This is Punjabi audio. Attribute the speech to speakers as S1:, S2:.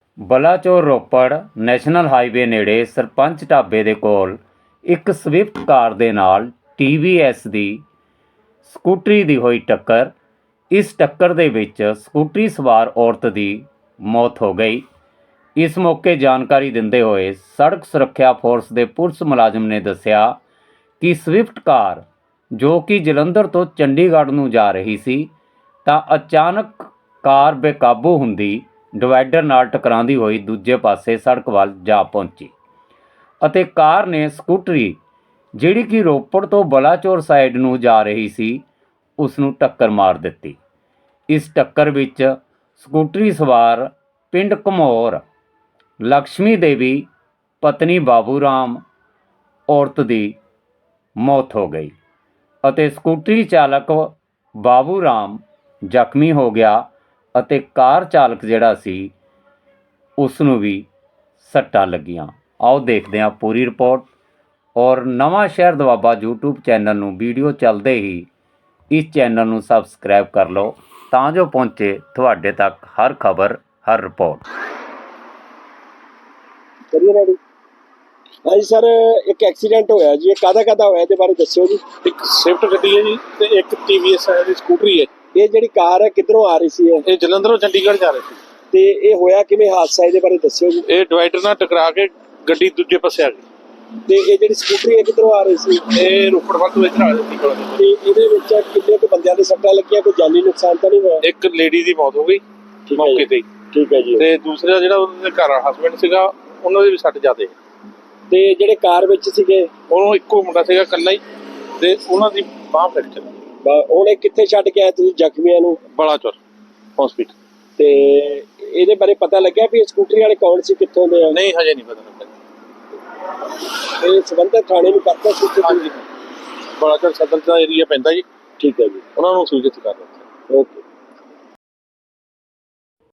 S1: ਬਲਾਚੌਰ ਰੋਪੜ ਨੈਸ਼ਨਲ ਹਾਈਵੇ ਨੇੜੇ ਸਰਪੰਚ ਢਾਬੇ ਦੇ ਕੋਲ ਇੱਕ ਸਵਿਫਟ ਕਾਰ ਦੇ ਨਾਲ TVS ਦੀ ਸਕੂਟਰੀ ਦੀ ਹੋਈ ਟੱਕਰ। ਇਸ ਟੱਕਰ ਦੇ ਵਿੱਚ ਸਕੂਟਰੀ ਸਵਾਰ ਔਰਤ ਦੀ ਮੌਤ ਹੋ ਗਈ। ਇਸ ਮੌਕੇ ਜਾਣਕਾਰੀ ਦਿੰਦੇ ਹੋਏ ਸੜਕ ਸੁਰੱਖਿਆ ਫੋਰਸ ਦੇ ਪੁਲਿਸ ਮੁਲਾਜ਼ਮ ਨੇ ਦੱਸਿਆ ਕਿ ਸਵਿਫਟ ਕਾਰ ਜੋ ਕਿ ਜਲੰਧਰ ਤੋਂ ਚੰਡੀਗੜ੍ਹ ਨੂੰ ਜਾ ਰਹੀ ਸੀ ਤਾਂ ਅਚਾਨਕ ਕਾਰ ਬੇਕਾਬੂ ਹੁੰਦੀ ਡਿਵਾਈਡਰ ਨਾਲ ਟਕਰਾਉਂਦੀ ਹੋਈ ਦੂਜੇ ਪਾਸੇ ਸੜਕ ਵੱਲ ਜਾ ਪਹੁੰਚੀ ਅਤੇ ਕਾਰ ਨੇ ਸਕੂਟਰੀ ਜਿਹੜੀ ਕਿ ਰੋਪੜ ਤੋਂ ਬਲਾਚੌਰ ਸਾਈਡ ਨੂੰ ਜਾ ਰਹੀ ਸੀ ਉਸ ਨੂੰ ਟੱਕਰ ਮਾਰ ਦਿੱਤੀ। ਇਸ ਟੱਕਰ ਵਿੱਚ ਸਕੂਟਰੀ ਸਵਾਰ ਪਿੰਡ ਘਮੌਰ ਲక్ష్ਮੀ ਦੇਵੀ ਪਤਨੀ ਬਾਬੂ ਰਾਮ ਔਰਤ ਦੀ ਮੌਤ ਹੋ ਗਈ ਅਤੇ ਸਕੂਟਰੀ ਚਾਲਕ ਬਾਬੂ ਰਾਮ ਜ਼ਖਮੀ ਹੋ ਗਿਆ ਅਤੇ ਕਾਰ ਚਾਲਕ ਜਿਹੜਾ ਸੀ ਉਸ ਨੂੰ ਵੀ ਸੱਟਾਂ ਲੱਗੀਆਂ। ਆਓ ਦੇਖਦੇ ਹਾਂ ਪੂਰੀ ਰਿਪੋਰਟ। ਔਰ ਨਵਾਂ ਸ਼ਹਿਰ ਦੁਆਬਾ YouTube ਚੈਨਲ ਨੂੰ ਵੀਡੀਓ ਚੱਲਦੇ ਹੀ ਇਸ ਚੈਨਲ ਨੂੰ ਸਬਸਕ੍ਰਾਈਬ ਕਰ ਲਓ ਤਾਂ ਜੋ ਪਹੁੰਚੇ ਤੁਹਾਡੇ ਤੱਕ ਹਰ ਖਬਰ ਹਰ ਰਿਪੋਰਟ।
S2: ਹਾਂਜੀ ਸਰ, ਇੱਕ ਐਕਸੀਡੈਂਟ ਹੋਇਆ ਜੀ, ਇਹ ਕਾਹਦਾ ਹੋਇਆ ਇਹਦੇ ਬਾਰੇ ਦੱਸਿਓ ਜੀ।
S3: ਇੱਕ ਸਵਿਫਟ ਗੱਡੀ ਹੈ ਜੀ ਤੇ ਇੱਕ TVS ਹੈ ਦੀ ਸਕੂਟਰੀ ਹੈ।
S2: ਇਹ ਜਿਹੜੀ ਕਾਰ ਹੈ ਕਿੱਧਰੋਂ ਆ ਰਹੀ ਸੀ
S3: ਇਹ ਜਲੰਧਰੋਂ ਚੰਡੀਗੜ੍ਹ ਜਾ ਰਹੀ ਸੀ
S2: ਤੇ ਇਹ ਹੋਇਆ ਕਿਵੇਂ ਹਾਦਸਾ, ਇਹਦੇ ਬਾਰੇ ਦੱਸਿਓ ਜੀ।
S3: ਇਹ ਡਿਵਾਈਡਰ ਨਾਲ ਟਕਰਾ ਕੇ ਗੱਡੀ ਦੂਜੇ ਪਾਸੇ ਆ ਗਈ
S2: ਤੇ ਇਹ ਜਿਹੜੀ ਸਕੂਟਰੀ ਹੈ ਕਿੱਧਰੋਂ ਆ ਰਹੀ ਸੀ?
S3: ਇਹ ਰੋਪੜ ਵੱਲ ਤੋਂ ਇੱਧਰ ਆ ਰਹੀ ਸੀ ਕੋਲ।
S2: ਤੇ ਇਹਦੇ ਵਿੱਚ ਕਿੰਨੇ ਕੁ ਬੰਦਿਆਂ ਦੇ ਸੱਟਾਂ ਲੱਗੀਆਂ, ਕੋਈ ਜਾਨੀ ਨੁਕਸਾਨ ਤਾਂ ਨਹੀਂ ਹੋਇਆ?
S3: ਇੱਕ ਲੇਡੀ ਦੀ ਮੌਤ ਹੋ ਗਈ ਮੌਕੇ ਤੇ ਹੀ।
S2: ਠੀਕ ਹੈ ਜੀ।
S3: ਤੇ ਦੂਸਰਾ ਜਿਹੜਾ ਉਹਦੇ ਘਰ ਹਸਬੈਂਡ ਸੀਗਾ ਉਹਨਾਂ ਦੇ ਵੀ ਸੱਟ ਜ਼ਿਆਦੇ।
S2: ਤੇ ਜਿਹੜੇ ਕਾਰ ਵਿੱਚ ਸੀਗੇ
S3: ਉਹਨੂੰ ਇੱਕੋ ਮੁੰਡਾ ਸੀਗਾ ਇਕੱਲਾ ਹੀ ਤੇ ਉਹਨਾਂ ਦੀ ਬਾਂਹ ਫ੍ਰੈਕਚਰ।
S2: ਹੁਣ ਇਹ ਕਿੱਥੇ ਛੱਡ ਕੇ ਆਏ ਤੁਸੀਂ ਜ਼ਖਮੀਆਂ ਨੂੰ?
S3: ਬਲਾਚੌਰ ਹਸਪੀਟਲ।
S2: ਤੇ ਇਹਦੇ ਬਾਰੇ ਪਤਾ ਲੱਗਿਆ ਵੀ ਇਹ ਸਕੂਟਰੀ ਵਾਲੇ ਕੌਣ ਸੀ, ਕਿੱਥੋਂ ਦੇ ਆ?
S3: ਨਹੀਂ ਹਜੇ ਨਹੀਂ ਪਤਾ ਲੱਗਾ।
S2: ਇਹ ਸੰਬੰਧਿਤ ਥਾਣੇ ਨੂੰ ਕਰਤਾ ਸੀ?
S3: ਹਾਂਜੀ, ਬਲਾਚੌਰ ਸਦਰ ਦਾ ਏਰੀਆ ਪੈਂਦਾ ਜੀ।
S2: ਠੀਕ ਹੈ ਜੀ,
S3: ਉਹਨਾਂ ਨੂੰ ਸੂਚਿਤ ਕਰ ਦਿੱਤਾ।
S2: ਓਕੇ।